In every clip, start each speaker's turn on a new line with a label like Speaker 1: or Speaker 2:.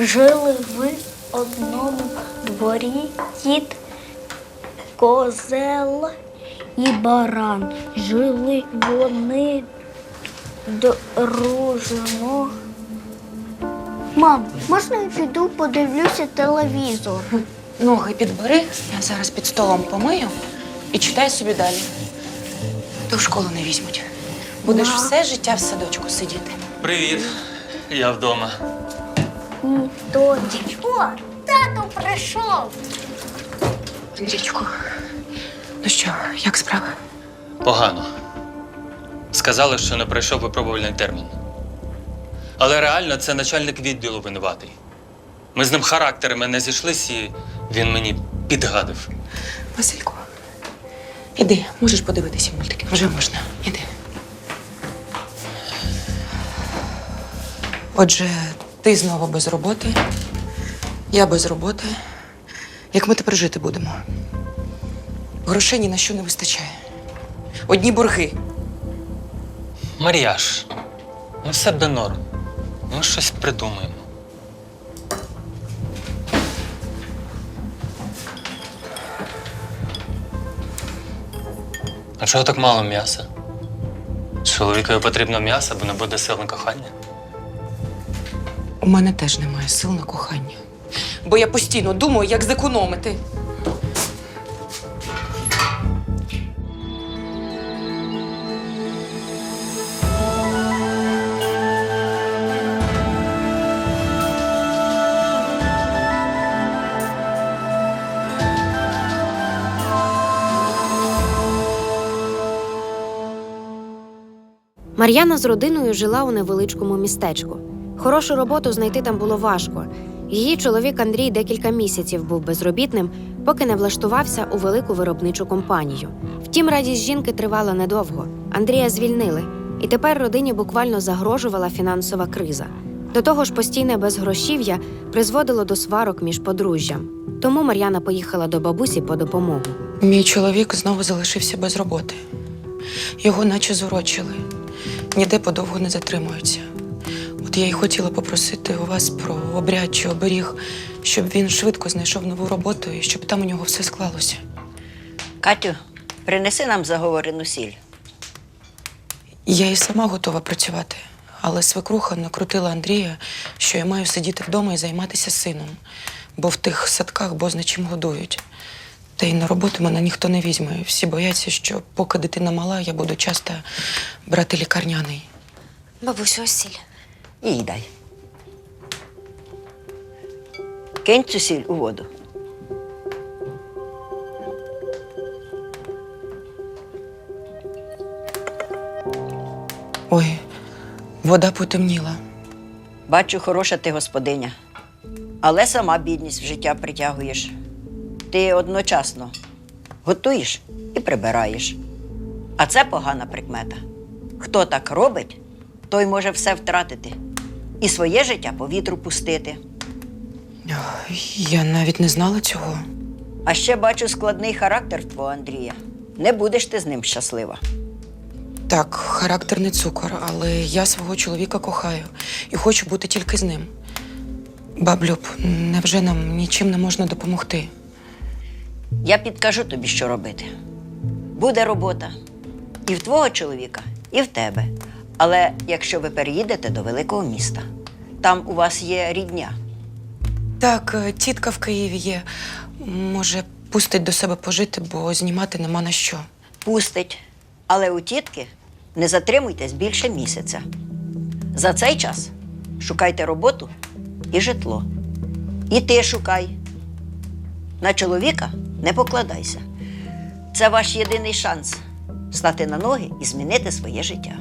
Speaker 1: Жили в одному дворі кіт, козел і баран. Жили вони дружно. Мам, можна я піду подивлюся телевізор?
Speaker 2: Ноги підбери, я зараз під столом помию і читай собі далі. То в школу не візьмуть. Будеш все життя в садочку сидіти.
Speaker 3: Привіт, я вдома.
Speaker 1: Тоді. О, тато прийшов.
Speaker 2: Андрійчику, ну що, як справа?
Speaker 3: Погано. Сказали, що не пройшов випробувальний термін. Але реально це начальник відділу винуватий. Ми з ним характерами не зійшлись, і він мені підгадив.
Speaker 2: Василько, іди, можеш подивитися мультики. Вже можна. Іди. Отже, ти знову без роботи, я без роботи. Як ми тепер жити будемо? Грошей ні на що не вистачає. Одні борги.
Speaker 3: Мар'яш, ну все буде норм. Ми щось придумаємо. А чого так мало м'яса? Чоловікові потрібно м'ясо, бо не буде сил на кохання.
Speaker 2: У мене теж немає сил на кохання. Бо я постійно думаю, як зекономити.
Speaker 4: Мар'яна з родиною жила у невеличкому містечку. Хорошу роботу знайти там було важко. Її чоловік Андрій декілька місяців був безробітним, поки не влаштувався у велику виробничу компанію. Втім, радість жінки тривала недовго. Андрія звільнили, і тепер родині буквально загрожувала фінансова криза. До того ж, постійне безгрошів'я призводило до сварок між подружжям. Тому Мар'яна поїхала до бабусі по допомогу.
Speaker 2: Мій чоловік знову залишився без роботи. Його наче зурочили. Ніде подовго не затримуються. От я й хотіла попросити у вас про обряд чи оберіг, щоб він швидко знайшов нову роботу і щоб там у нього все склалося.
Speaker 5: Катю, принеси нам заговорену сіль.
Speaker 2: Я і сама готова працювати, але свекруха накрутила Андрія, що я маю сидіти вдома і займатися сином, бо в тих садках бозна чим годують. Та й на роботу мене ніхто не візьме. Всі бояться, що поки дитина мала, я буду часто брати лікарняний.
Speaker 4: Бабусю, ось сіль.
Speaker 5: Їй дай. Кинь цю сіль у воду.
Speaker 2: Ой, вода потемніла.
Speaker 5: Бачу, хороша ти господиня. Але сама бідність в життя притягуєш. Ти одночасно готуєш і прибираєш. А це погана прикмета. Хто так робить, той може все втратити. І своє життя по вітру пустити.
Speaker 2: Я навіть не знала цього.
Speaker 5: А ще бачу складний характер твого Андрія. Не будеш ти з ним щаслива.
Speaker 2: Так, характер не цукор, але я свого чоловіка кохаю і хочу бути тільки з ним. Баблюб, невже нам нічим не можна допомогти?
Speaker 5: Я підкажу тобі, що робити. Буде робота і в твого чоловіка, і в тебе. Але якщо ви переїдете до великого міста, там у вас є рідня.
Speaker 2: Так, тітка в Києві є. Може, пустить до себе пожити, бо знімати нема на що.
Speaker 5: Пустить. Але у тітки не затримуйтесь більше місяця. За цей час шукайте роботу і житло. І ти шукай. На чоловіка не покладайся. Це ваш єдиний шанс стати на ноги і змінити своє життя.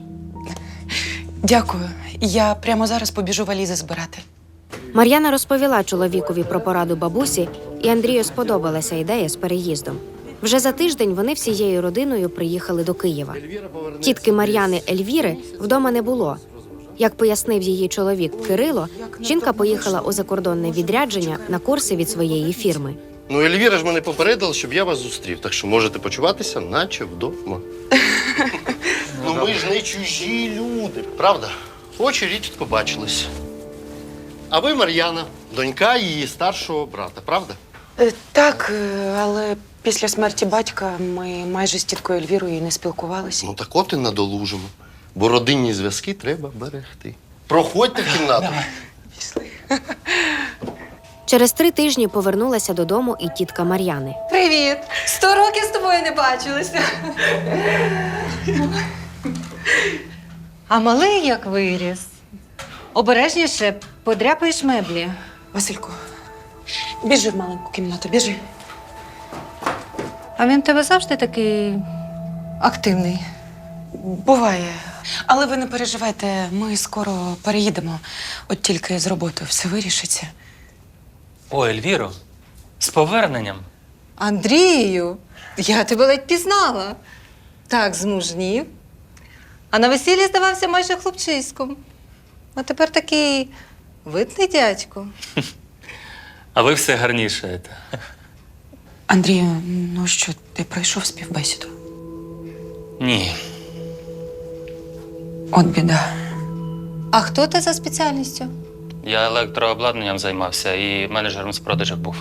Speaker 2: Дякую. Я прямо зараз побіжу валізи збирати.
Speaker 4: Мар'яна розповіла чоловікові про пораду бабусі, і Андрію сподобалася ідея з переїздом. Вже за тиждень вони всією родиною приїхали до Києва. Тітки Мар'яни Ельвіри вдома не було. Як пояснив її чоловік Кирило, жінка поїхала у закордонне відрядження на курси від своєї фірми.
Speaker 6: Ну, Ельвіра ж мене попередила, щоб я вас зустрів, так що можете почуватися, наче вдома. Ну, ми ж не чужі люди, правда? Очі рідко побачились. А ви Мар'яна, донька її старшого брата, правда?
Speaker 2: Так, але після смерті батька ми майже з тіткою Ельвірою і не спілкувалися.
Speaker 6: Ну так от і надолужимо. Бо родинні зв'язки треба берегти. Проходьте в кімнату.
Speaker 4: Через 3 тижні повернулася додому і тітка Мар'яни.
Speaker 7: Привіт! 100 років з тобою не бачилися. А малий як виріс. Обережніше подряпаєш меблі.
Speaker 2: Василько, біжи в маленьку кімнату, біжи.
Speaker 7: А він в тебе завжди такий активний.
Speaker 2: Буває. Але ви не переживайте, ми скоро переїдемо. От тільки з роботи все вирішиться.
Speaker 3: О, Ельвіро, з поверненням.
Speaker 7: Андрію, я тебе ледь пізнала. Так змужнів. А на весіллі здавався майже хлопчиськом. А тепер такий видний дядько.
Speaker 3: А ви все гарнішаєте.
Speaker 2: Андрію, ну що, ти пройшов співбесіду?
Speaker 3: Ні.
Speaker 2: От біда.
Speaker 7: А хто ти за спеціальністю?
Speaker 3: Я електрообладнанням займався і менеджером з продажів був.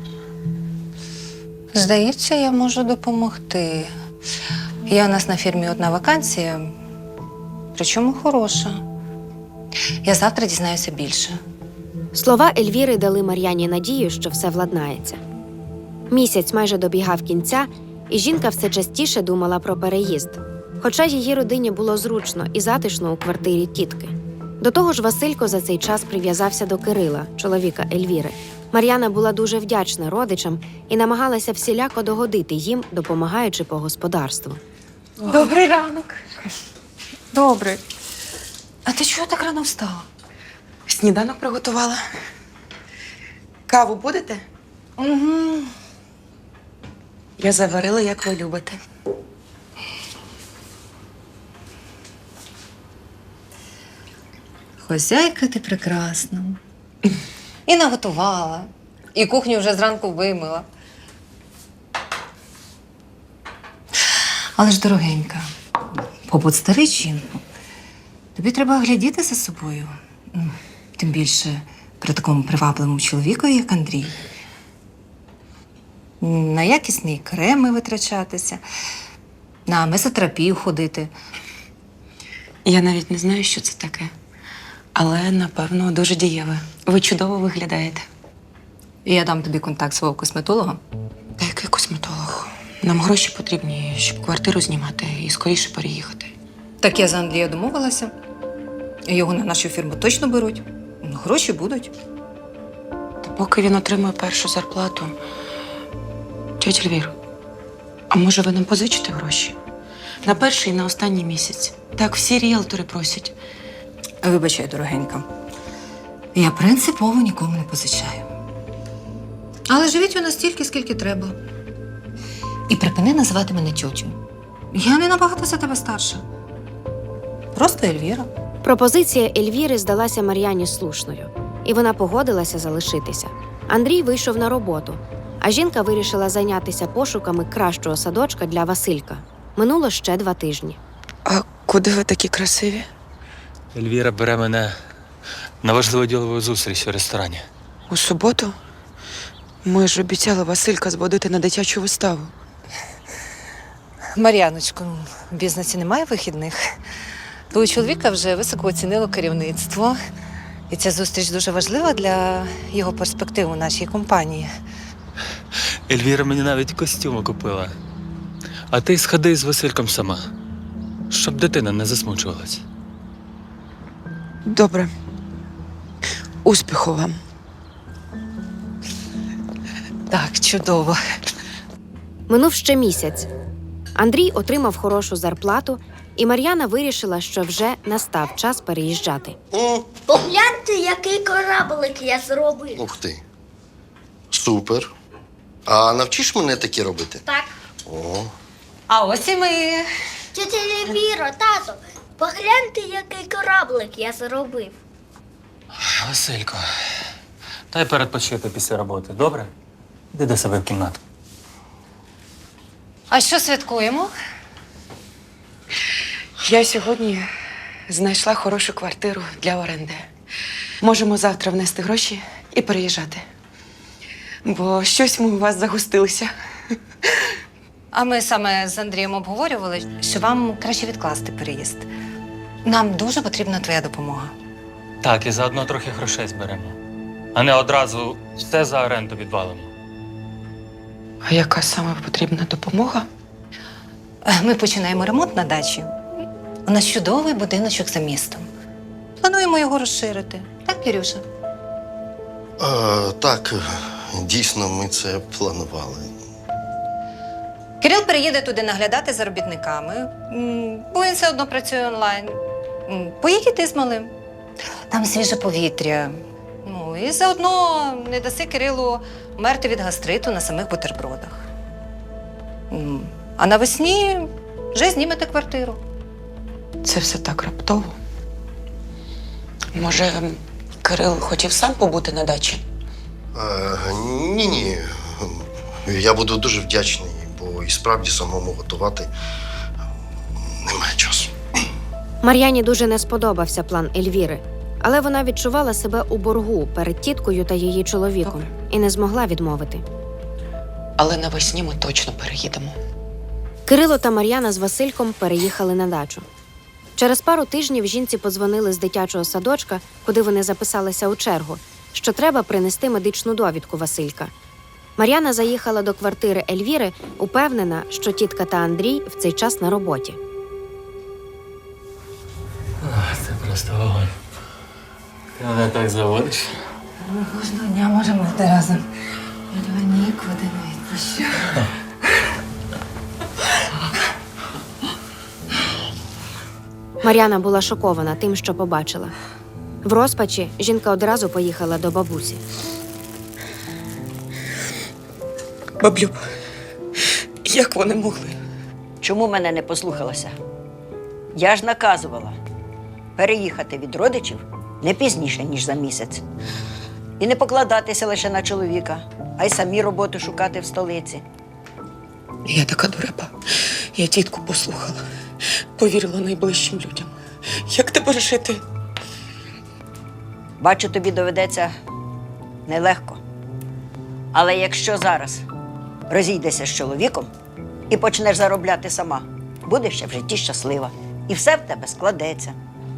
Speaker 7: Здається, я можу допомогти. Є у нас на фірмі одна вакансія, причому хороша. Я завтра дізнаюся більше.
Speaker 4: Слова Ельвіри дали Мар'яні надію, що все владнається. Місяць майже добігав кінця, і жінка все частіше думала про переїзд. Хоча її родині було зручно і затишно у квартирі тітки. До того ж, Василько за цей час прив'язався до Кирила, чоловіка Ельвіри. Мар'яна була дуже вдячна родичам і намагалася всіляко догодити їм, допомагаючи по господарству.
Speaker 7: Добрий ранок. Добре. А ти чого так рано встала?
Speaker 2: Сніданок приготувала. Каву будете?
Speaker 7: Угу.
Speaker 2: Я заварила, як ви любите.
Speaker 7: Хозяйка ти прекрасна. І наготувала, і кухню вже зранку вимила. Але ж, дорогенька, побут старий жінку. Тобі треба глядіти за собою. Тим більше при такому привабливому чоловіку, як Андрій. На якісні креми витрачатися, на месотерапію ходити.
Speaker 2: Я навіть не знаю, що це таке. Але, напевно, дуже дієве. Ви чудово виглядаєте.
Speaker 7: І я дам тобі контакт свого косметолога.
Speaker 2: Та який косметолог? Нам гроші потрібні, щоб квартиру знімати і скоріше переїхати.
Speaker 7: Так я за Андрія домовилася. Його на нашу фірму точно беруть. Гроші будуть.
Speaker 2: Та поки він отримує першу зарплату. Тьотя Ельвіро, а може ви нам позичите гроші? На перший і на останній місяць. Так всі ріелтори просять.
Speaker 7: Вибачай, дорогенька. Я принципово нікому не позичаю. Але живіть ви настільки, скільки треба. І припини називати мене тьотю. Я не набагато за тебе старша. Просто Ельвіра.
Speaker 4: Пропозиція Ельвіри здалася Мар'яні слушною, і вона погодилася залишитися. Андрій вийшов на роботу, а жінка вирішила зайнятися пошуками кращого садочка для Василька. Минуло ще 2 тижні.
Speaker 2: А куди ви такі красиві?
Speaker 3: Ельвіра бере мене на важливу ділову зустріч у ресторані.
Speaker 2: У суботу? Ми ж обіцяли Василька зводити на дитячу виставу.
Speaker 7: Мар'яночко, в бізнесі немає вихідних. Твого чоловіка вже високо оцінило керівництво. І ця зустріч дуже важлива для його перспектив у нашій компанії.
Speaker 3: Ельвіра мені навіть костюми купила. А ти сходи з Васильком сама, щоб дитина не засмучувалась.
Speaker 2: Добре. Успіху вам.
Speaker 7: Так, чудово.
Speaker 4: Минув ще місяць. Андрій отримав хорошу зарплату, і Мар'яна вирішила, що вже настав час переїжджати.
Speaker 1: Погляньте, який кораблик я зробив.
Speaker 6: Ух ти. Супер. А навчиш мене такі робити?
Speaker 1: Так.
Speaker 6: О,
Speaker 7: А ось і ми.
Speaker 1: Тетя Ельвіра, тато, погляньте, який кораблик я зробив.
Speaker 3: Василько, дай передпочити після роботи, добре? Іди до себе в кімнату.
Speaker 7: А що святкуємо?
Speaker 2: Я сьогодні знайшла хорошу квартиру для оренди. Можемо завтра внести гроші і переїжджати. Бо щось ми у вас загустилися.
Speaker 7: А ми саме з Андрієм обговорювали, що вам краще відкласти переїзд. Нам дуже потрібна твоя допомога.
Speaker 3: Так, і заодно трохи грошей зберемо. А не одразу все за оренду відвалимо.
Speaker 2: А яка саме потрібна допомога?
Speaker 7: Ми починаємо ремонт на дачі. У нас чудовий будиночок за містом. Плануємо його розширити. Так, Кирюша?
Speaker 6: Так, дійсно, ми це планували.
Speaker 7: Кирил переїде туди наглядати за робітниками, бо він все одно працює онлайн. Поїдь і ти з малим. Там свіже повітря. Ну, і заодно не даси Кирилу мерти від гастриту на самих бутербродах. А навесні вже знімете квартиру.
Speaker 2: Це все так раптово. Може, Кирил хотів сам побути на дачі?
Speaker 6: Ні. Я буду дуже вдячний, бо і справді самому готувати немає часу.
Speaker 4: Мар'яні дуже не сподобався план Ельвіри, але вона відчувала себе у боргу перед тіткою та її чоловіком і не змогла відмовити.
Speaker 2: Але навесні ми точно переїдемо.
Speaker 4: Кирило та Мар'яна з Васильком переїхали на дачу. Через пару тижнів жінці подзвонили з дитячого садочка, куди вони записалися у чергу, що треба принести медичну довідку Василька. Мар'яна заїхала до квартири Ельвіри, упевнена, що тітка та Андрій в цей час на роботі.
Speaker 3: Це просто вогонь. Ти мене так заводиш.
Speaker 7: Ми кожного дня можемо бути разом. Я тебе нікуди не відпущу.
Speaker 4: Мар'яна була шокована тим, що побачила. В розпачі жінка одразу поїхала до бабусі.
Speaker 2: Баблюб, як вони могли?
Speaker 5: Чому мене не послухалася? Я ж наказувала переїхати від родичів не пізніше, ніж за місяць. І не покладатися лише на чоловіка, а й самі роботу шукати в столиці.
Speaker 2: Я така дурепа. Я тітку послухала. Повірила найближчим людям. Як тепер жити?
Speaker 5: Бачу, тобі доведеться нелегко. Але якщо зараз розійдешся з чоловіком і почнеш заробляти сама, будеш ще в житті щаслива. І все в тебе складеться.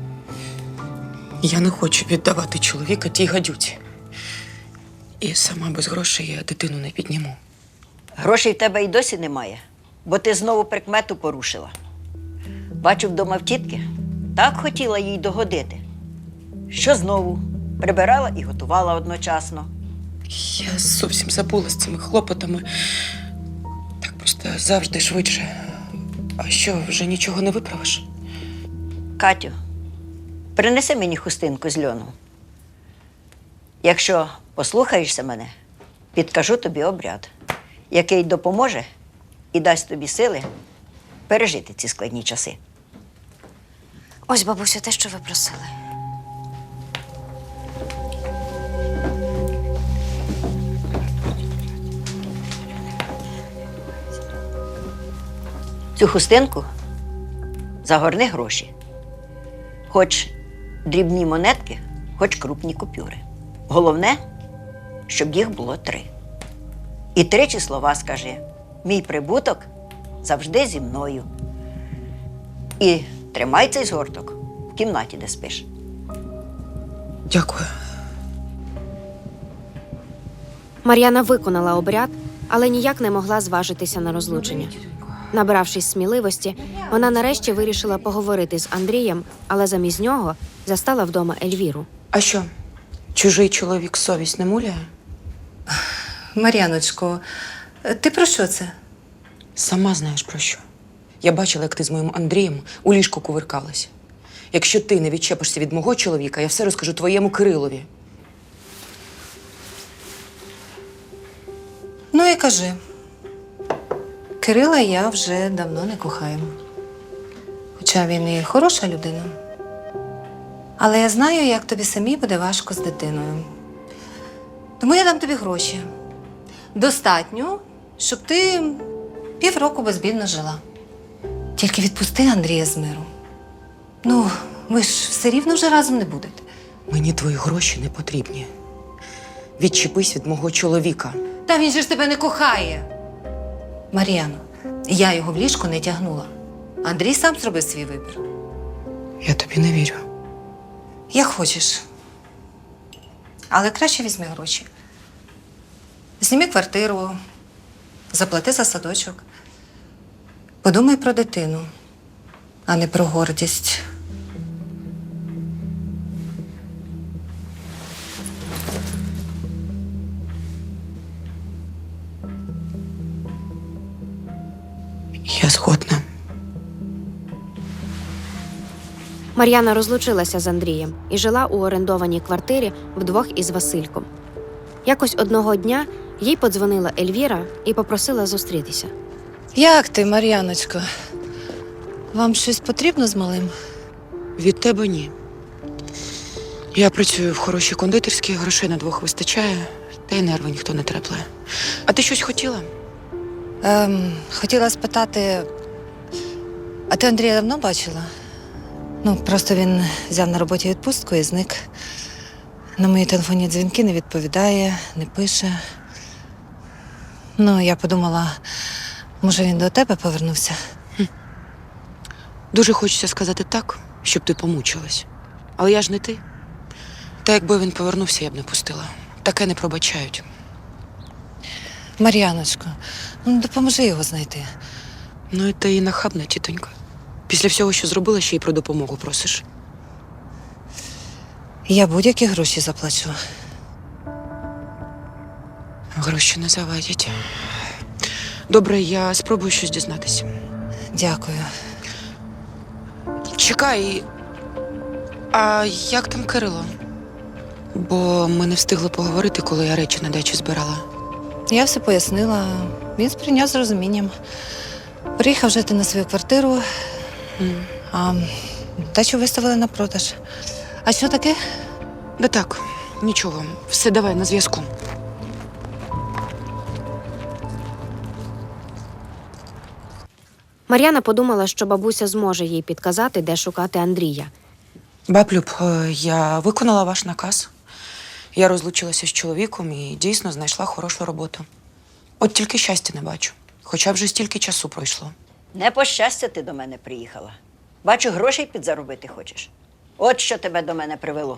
Speaker 2: Я не хочу віддавати чоловіка тій гадюці. І сама без грошей я дитину не підніму.
Speaker 5: Грошей в тебе й досі немає, бо ти знову прикмету порушила. Бачу, вдома в тітки так хотіла їй догодити, що знову прибирала і готувала одночасно.
Speaker 2: Я зовсім забула з цими хлопотами. Так просто завжди швидше. А що, вже нічого не виправиш?
Speaker 5: Катю, принеси мені хустинку з льону. Якщо послухаєшся мене, підкажу тобі обряд, який допоможе і дасть тобі сили пережити ці складні часи.
Speaker 4: Ось, бабусю, те, що ви просили.
Speaker 5: Цю хустинку загорни гроші. Хоч дрібні монетки, хоч крупні купюри. Головне, щоб їх було 3. І 3 слова скажи: мій прибуток завжди зі мною. І тримай цей згорток в кімнаті, де спиш.
Speaker 2: Дякую.
Speaker 4: Мар'яна виконала обряд, але ніяк не могла зважитися на розлучення. Набравшись сміливості, вона нарешті вирішила поговорити з Андрієм, але замість нього застала вдома Ельвіру.
Speaker 2: А що, чужий чоловік совість не муляє?
Speaker 7: Мар'яночко, ти про що це?
Speaker 2: Сама знаєш про що. Я бачила, як ти з моїм Андрієм у ліжку кувиркалася. Якщо ти не відчепишся від мого чоловіка, я все розкажу твоєму Кирилові.
Speaker 7: Ну і кажи. Кирила я вже давно не кохаю. Хоча він і хороша людина. Але я знаю, як тобі самій буде важко з дитиною. Тому я дам тобі гроші. Достатньо, щоб ти півроку безбідно жила. Тільки відпусти Андрія з миру. Ну, ви ж все рівно вже разом не будете.
Speaker 2: Мені твої гроші не потрібні. Відчепись від мого чоловіка.
Speaker 7: Та він же ж тебе не кохає. Мар'яно, я його в ліжко не тягнула. Андрій сам зробив свій вибір.
Speaker 2: Я тобі не вірю.
Speaker 7: Як хочеш. Але краще візьми гроші. Зніми квартиру, заплати за садочок. Подумай про дитину, а не про гордість.
Speaker 2: Я згодна.
Speaker 4: Мар'яна розлучилася з Андрієм і жила у орендованій квартирі вдвох із Васильком. Якось одного дня їй подзвонила Ельвіра і попросила зустрітися.
Speaker 7: Як ти, Мар'яночко? Вам щось потрібно з малим?
Speaker 2: Від тебе ні. Я працюю в хорошій кондитерській, грошей на двох вистачає, та й нерви ніхто не трепле. А ти щось хотіла?
Speaker 7: Хотіла спитати, а ти Андрія давно бачила? Ну, просто він взяв на роботі відпустку і зник. На мої телефонні дзвінки не відповідає, не пише. Ну, я подумала, може, він до тебе повернувся?
Speaker 2: Дуже хочеться сказати так, щоб ти помучилась. Але я ж не ти. Та якби він повернувся, я б не пустила. Таке не пробачають.
Speaker 7: Мар'яночко, ну допоможи його знайти.
Speaker 2: Ну і ти і нахабна, тітонька. Після всього, що зробила, ще й про допомогу просиш.
Speaker 7: Я будь-які гроші заплачу.
Speaker 2: Гроші не завадять. Добре, я спробую щось дізнатися.
Speaker 7: Дякую.
Speaker 2: Чекай. А як там Кирило? Бо ми не встигли поговорити, коли я речі на дачі збирала.
Speaker 7: Я все пояснила. Він сприйняв з розумінням. Приїхав жити на свою квартиру, а дачу виставили на продаж. А що таке?
Speaker 2: Да так, нічого. Все, давай, на зв'язку.
Speaker 4: Мар'яна подумала, що бабуся зможе їй підказати, де шукати Андрія.
Speaker 2: Баблюб, я виконала ваш наказ. Я розлучилася з чоловіком і дійсно знайшла хорошу роботу. От тільки щастя не бачу. Хоча вже стільки часу пройшло.
Speaker 5: Не по щастя ти до мене приїхала. Бачу, грошей підзаробити хочеш. От що тебе до мене привело.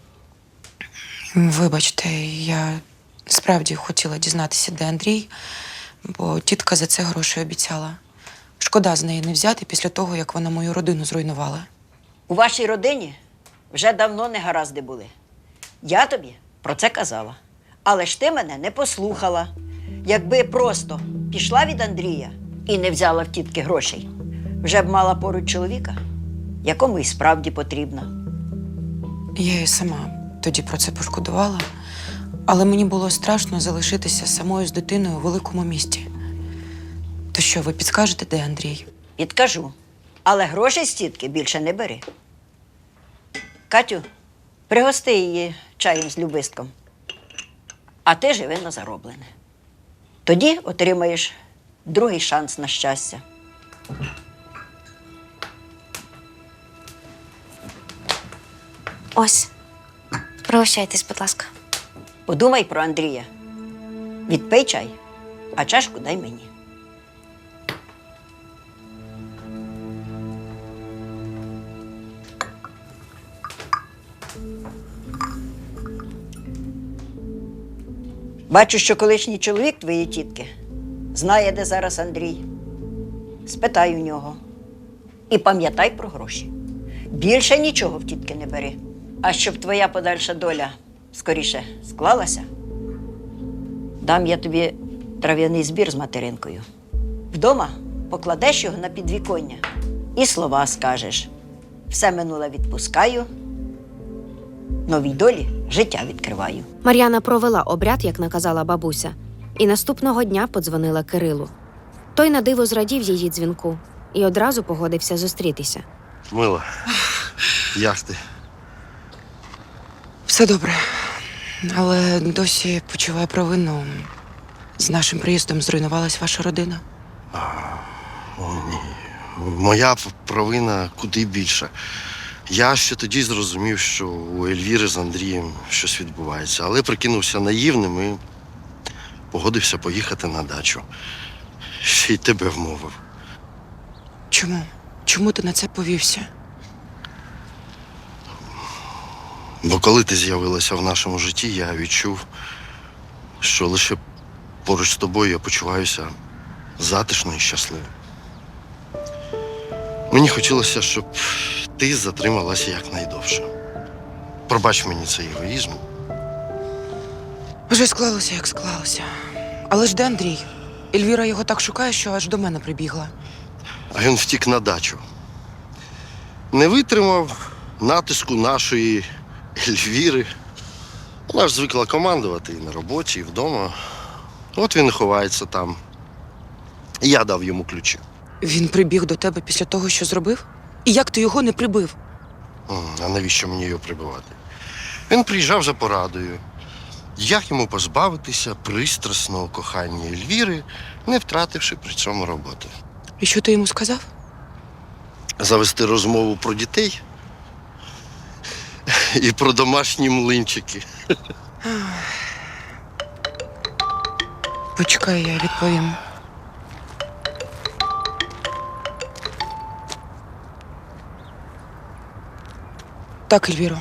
Speaker 2: Вибачте, я справді хотіла дізнатися, де Андрій, бо тітка за це гроші обіцяла. Шкода з неї не взяти після того, як вона мою родину зруйнувала.
Speaker 5: У вашій родині вже давно негаразди були. Я тобі про це казала. Але ж ти мене не послухала. Якби просто пішла від Андрія і не взяла в тітки грошей, вже б мала поруч чоловіка, якому і справді потрібно.
Speaker 2: Я і сама тоді про це пошкодувала, але мені було страшно залишитися самою з дитиною у великому місті. То що, ви підскажете, де Андрій?
Speaker 5: Підкажу. Але грошей з тітки більше не бери. Катю, пригости її чаєм з любистком. А ти живи на зароблене. Тоді отримаєш другий шанс на щастя.
Speaker 1: Ось. Пригощайтесь, будь ласка.
Speaker 5: Подумай про Андрія. Відпий чай, а чашку дай мені. Бачу, що колишній чоловік твоєї тітки знає, де зараз Андрій. Спитай у нього. І пам'ятай про гроші. Більше нічого в тітки не бери. А щоб твоя подальша доля скоріше склалася, дам я тобі трав'яний збір з материнкою. Вдома покладеш його на підвіконня і слова скажеш. Все минуле відпускаю, новій долі життя відкриваю.
Speaker 4: Мар'яна провела обряд, як наказала бабуся, і наступного дня подзвонила Кирилу. Той на диво зрадів її дзвінку і одразу погодився зустрітися.
Speaker 6: Мила, як ти?
Speaker 2: Все добре, але досі почуваю провину. З нашим приїздом зруйнувалась ваша родина.
Speaker 6: О, ні. Моя провина куди більша. Я ще тоді зрозумів, що у Ельвіри з Андрієм щось відбувається, але прикинувся наївним і погодився поїхати на дачу. Ще й тебе вмовив.
Speaker 2: Чому? Чому ти на це повівся?
Speaker 6: Бо коли ти з'явилася в нашому житті, я відчув, що лише поруч з тобою я почуваюся затишно і щасливо. Мені хотілося, щоб ти затрималася якнайдовше. Пробач мені цей егоїзм.
Speaker 2: Вже склалося, як склалося. Але ж де Андрій? Ельвіра його так шукає, що аж до мене прибігла.
Speaker 6: А він втік на дачу. Не витримав натиску нашої Ельвіри. Вона ж звикла командувати і на роботі, і вдома. От він і ховається там. І я дав йому ключі.
Speaker 2: Він прибіг до тебе після того, що зробив? І як ти його не прибив?
Speaker 6: А навіщо мені його прибивати? Він приїжджав за порадою. Як йому позбавитися пристрасного кохання Ельвіри, не втративши при цьому роботи?
Speaker 2: І що ти йому сказав?
Speaker 6: Завести розмову про дітей і про домашні млинчики.
Speaker 2: Почекай, я відповім. Так, Ельвіро.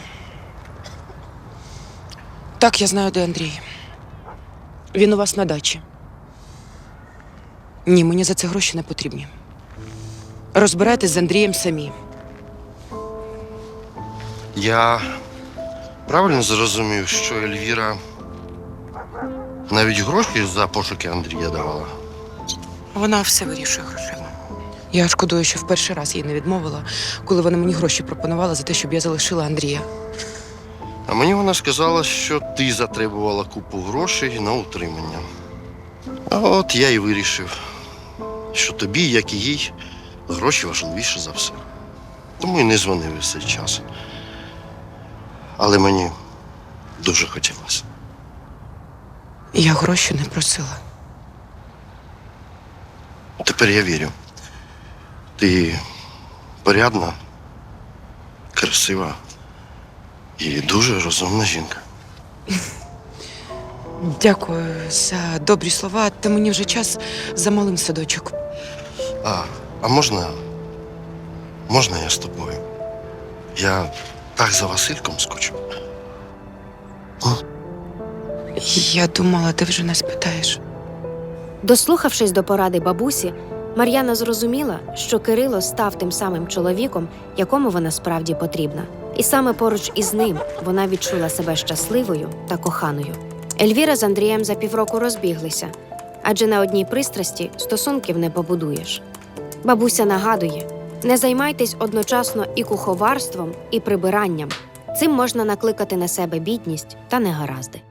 Speaker 2: Так, я знаю, де Андрій. Він у вас на дачі. Ні, мені за це гроші не потрібні. Розбирайтесь з Андрієм самі.
Speaker 6: Я правильно зрозумів, що Ельвіра навіть гроші за пошуки Андрія давала?
Speaker 2: Вона все вирішує грошима. Я шкодую, що в перший раз їй не відмовила, коли вона мені гроші пропонувала за те, щоб я залишила Андрія.
Speaker 6: А мені вона сказала, що ти затребувала купу грошей на утримання. А от я і вирішив, що тобі, як і їй, гроші важливіше за все. Тому і не дзвонив весь цей час. Але мені дуже хотілося.
Speaker 2: Я гроші не просила.
Speaker 6: Тепер я вірю. Ти порядна, красива і дуже розумна жінка.
Speaker 2: Дякую за добрі слова, та мені вже час за малим садочок.
Speaker 6: А можна я з тобою? Я так за Васильком скучу.
Speaker 2: Я думала, ти вже нас питаєш.
Speaker 4: Дослухавшись до поради бабусі, Мар'яна зрозуміла, що Кирило став тим самим чоловіком, якому вона справді потрібна. І саме поруч із ним вона відчула себе щасливою та коханою. Ельвіра з Андрієм за півроку розбіглися, адже на одній пристрасті стосунків не побудуєш. Бабуся нагадує, не займайтесь одночасно і куховарством, і прибиранням. Цим можна накликати на себе бідність та негаразди.